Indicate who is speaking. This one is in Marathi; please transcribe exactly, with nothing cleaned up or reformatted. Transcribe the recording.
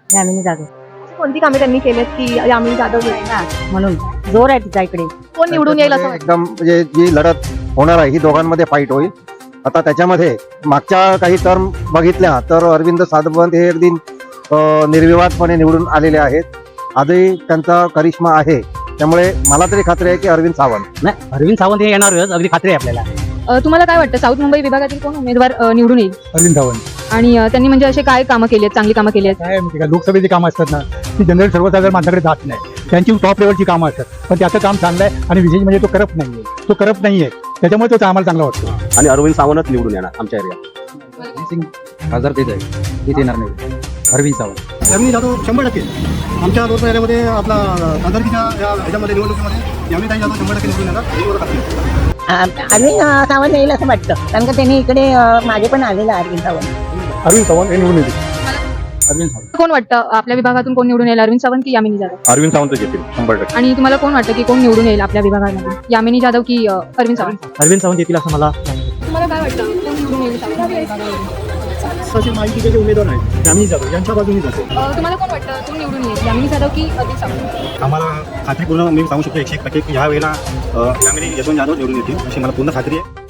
Speaker 1: यामिनी जाधव
Speaker 2: कोणती कामे त्यांनी केलीत की यामिनी जाधव
Speaker 1: आहे ना, म्हणून जोर आहे तिच्या इकडे.
Speaker 2: कोण निवडून येईल असं वाटतं?
Speaker 3: एकदम म्हणजे जी लढत होणार आहे ही दोघांमध्ये फाईट होईल. आता त्याच्यामध्ये मागच्या काही टर्म बघितल्या तर अरविंद सावंत हे अगदी अं, निर्विवादपणे निवडून आलेले आहेत. आजही त्यांचा करिश्मा आहे, त्यामुळे मला तरी खात्री आहे की अरविंद सावंत.
Speaker 4: नाही, अरविंद सावंत हे येणारच, अगदी खात्री आहे आपल्याला.
Speaker 2: अ, तुम्हाला काय वाटतं साऊथ मुंबई विभागातील कोण उमेदवार अ, निवडून येईल?
Speaker 5: अरविंद सावंत.
Speaker 2: आणि अ, त्यांनी म्हणजे असे काय कामं केली आहेत, चांगली कामं केली आहेत?
Speaker 5: काय माहिती का, लोकसभेची कामं असतात ना ती जनरल सर्वसाधारण माणसाकडे जात नाही. त्यांची टॉप लेवलची कामं असतात, पण त्याचं काम चांगलं आहे आणि विशेष म्हणजे तो करप्ट नाही आहे. तो करप्ट नाही आहे, त्याच्यामुळे तो आम्हाला चांगला वाटतो.
Speaker 6: आणि अरविंद सावंतच निवडून येणार आमच्या एरियात.
Speaker 4: खासदार तेच आहे, हेच येणार नाही. अरविंद सावंत.
Speaker 7: यामिनी जाधव शंभर टक्के आमच्या दोन एरियामध्ये आपला खासदारकीच्या या ह्याच्यामध्ये निवडणुकीमध्ये यामिनी जाधव शंभर टक्के निवडून येणार ही ओळख असते.
Speaker 1: अरविंद सावंत येईल असं वाटतं, कारण का त्यांनी इकडे मागे पण आलेला अरविंद सावंत.
Speaker 5: अरविंद सावंत हे निवडून येते.
Speaker 4: अरविंद सावंत.
Speaker 2: कोण वाटतं आपल्या विभागातून कोण निवडून येईल, अरविंद सावंत की यामिनी जाधव?
Speaker 6: अरविंद सावंतच येतील शंभर टक्के.
Speaker 2: आणि तुम्हाला कोण वाटतं की कोण निवडून येईल आपल्या विभागामध्ये, यामिनी जाधव की अ, अरविंद सावंत?
Speaker 4: अरविंद सावंत येतील असं मला.
Speaker 2: तुम्हाला काय वाटतं कोण निवडून येईल साऊथ मुंबई विभागामध्ये?
Speaker 7: तसे माहितीचे जे उमेदवार आहेत यामिनी जाधव यांच्या बाजूनेच असेल.
Speaker 2: अ, तुम्हाला कोण वाटतं कोण निवडून येईल, यामिनी जाधव की अरविंद सावंत?
Speaker 7: आम्हाला खात्रीपूर्ण मी सांगू शकतो एकशे एक टक्के की ह्या वेळेला यामिनी यशवंत जाधव निवडून येतील अशी मला पूर्ण खात्री आहे.